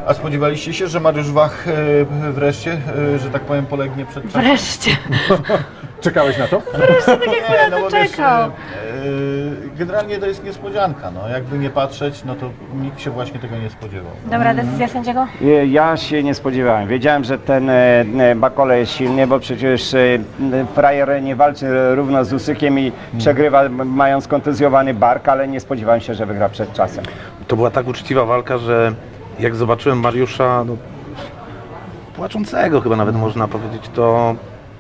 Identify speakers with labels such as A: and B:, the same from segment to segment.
A: A spodziewaliście się, że Mariusz Wach wreszcie, że tak powiem, polegnie przed czasem?
B: Wreszcie.
C: Czekałeś na to?
B: Wreszcie tak jak
A: Nie,
B: na
A: bo
B: to
A: wiesz,
B: czekał.
A: generalnie to jest niespodzianka, no jakby nie patrzeć, no to nikt się właśnie tego nie spodziewał.
B: Dobra decyzja sędziego?
D: Ja się nie spodziewałem. Wiedziałem, że ten Bakole jest silny, bo przecież frajer nie walczy równo z Usykiem i przegrywa mając kontuzjowany bark, ale nie spodziewałem się, że wygra przed czasem.
E: To była tak uczciwa walka, że jak zobaczyłem Mariusza, no, płaczącego chyba nawet można powiedzieć, to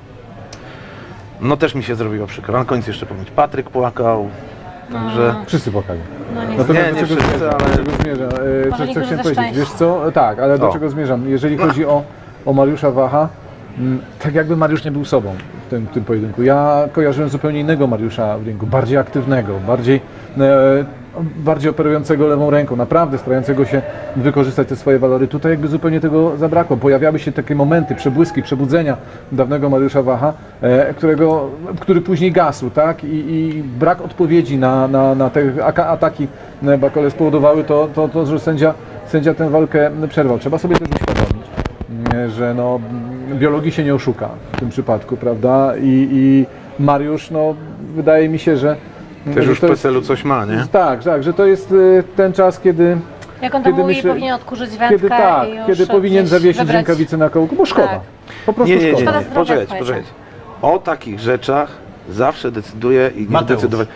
E: no też mi się zrobiło przykro. Na końcu jeszcze pomyśleć, Patryk płakał, także...
C: Wszyscy płakali.
B: No nie.
C: Natomiast
E: Nie,
C: do czego
E: wszyscy,
C: zmierzam?
E: ale-
C: Do czego zmierzam?
B: Może
C: Co
B: niektórzy
C: chciałem
B: ze
C: powiedzieć?
B: szczęścia.
C: Wiesz co? Tak, ale do
E: O.
C: czego zmierzam? Jeżeli chodzi o Mariusza Wacha, tak jakby Mariusz nie był sobą w tym pojedynku. Ja kojarzyłem zupełnie innego Mariusza w ringu, bardziej aktywnego, bardziej operującego lewą ręką, naprawdę starającego się wykorzystać te swoje walory. Tutaj jakby zupełnie tego zabrakło. Pojawiały się takie momenty, przebłyski, przebudzenia dawnego Mariusza Wacha, który później gasł, tak? I brak odpowiedzi na te ataki Bakole spowodowały to, że sędzia tę walkę przerwał. Trzeba sobie też uświadomić, że no, biologii się nie oszuka w tym przypadku, prawda? I Mariusz, no, wydaje mi się, że
E: Też
C: że
E: już w
C: to jest-
E: PESEL-u coś ma, nie?
C: Tak, że to jest ten czas, kiedy
B: Jak on tam
C: Kiedy
B: mówi,
C: myślę-
B: powinien odkurzyć wędkę i już
C: kiedy powinien
B: gdzieś
C: zawiesić
B: wybrać.
C: rękawice na kołku, bo szkoda.
B: Tak.
C: Po prostu szkoda.
B: Szkoda zdrowia,
E: Poczekajcie,
B: słuchajcie.
E: poczekajcie. O takich rzeczach zawsze decyduje i nie
A: Mateusz.
E: decydować.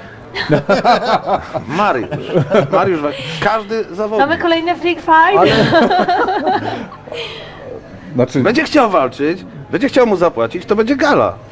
E: Mariusz, każdy zawodnik.
B: Mamy kolejny freak fight.
C: Znaczy,
E: Będzie chciał walczyć, będzie chciał mu zapłacić, to będzie gala.